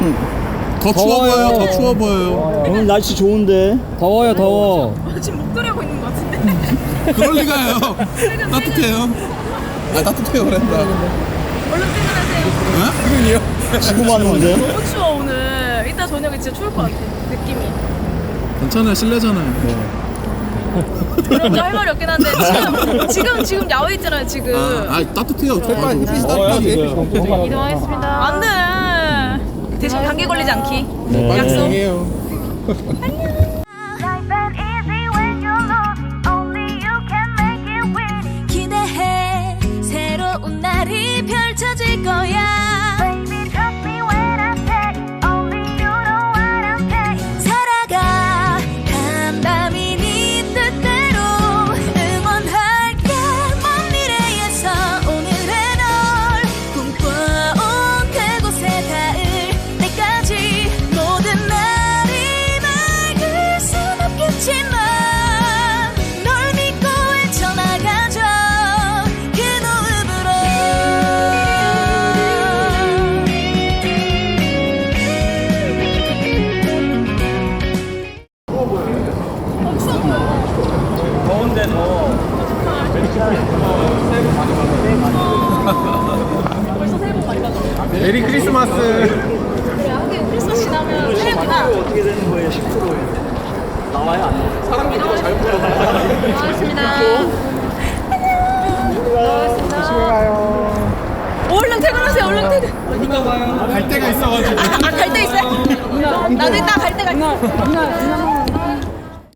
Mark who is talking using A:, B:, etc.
A: 더 추워 보여요. 더 추워 보여요.
B: 오늘 날씨 좋은데.
C: 더워요 더워.
D: 지금 목도리 하고 있는 것 같은데.
A: 그럴 리가요. 따뜻해요. 아 따뜻해요 그랬다.
D: 얼른 퇴근하세요.
A: 지금이요?
B: 지금 왔는데.
D: 너무 추워 오늘. 이따 저녁에 진짜 추울 것 같아. 느낌이.
A: 괜찮아요. 실내잖아요.
D: 그런 거 할 말이 없긴 한데 지금 야외 있잖아요 지금.
A: 아 따뜻해요. 빨리 햇빛이
C: 더워요
A: 따뜻하게.
C: 지금.
D: 이동하겠습니다. 안 돼. 대신 감기 걸리지 않기.
B: 네.
D: 약속.
A: 안녕해요.
E: Life ain't easy when you're alone. Only you can make it win. 기대해 새로운 날이 펼쳐질 거야. Baby, trust me when I say only you know what I'm saying. 살아가 간담이 네 뜻대로 응원할게. 먼 미래에서 오늘의 널 꿈꿔온 그곳에 닿을 때까지 모든 날이 맑을 순 없겠지만 널 믿고 헤쳐나가죠 그 노읍으로.
B: 더운데 더워.
D: 벌써 새해 복 많이 받았네.
A: 메리 크리스마스.
D: 그래 하긴 크리스마스 지나면 새해구나.
B: 어떻게 되는 거예요? 10%예요. 나와요 안 나와요?
A: 사람들이 잘 보여.
D: 고맙습니다. 얼른 퇴근하세요. 얼른 퇴근.
A: 갈 데가 있어가지고.
D: 갈 데 있어요? 나도 이따 갈 데가 있어.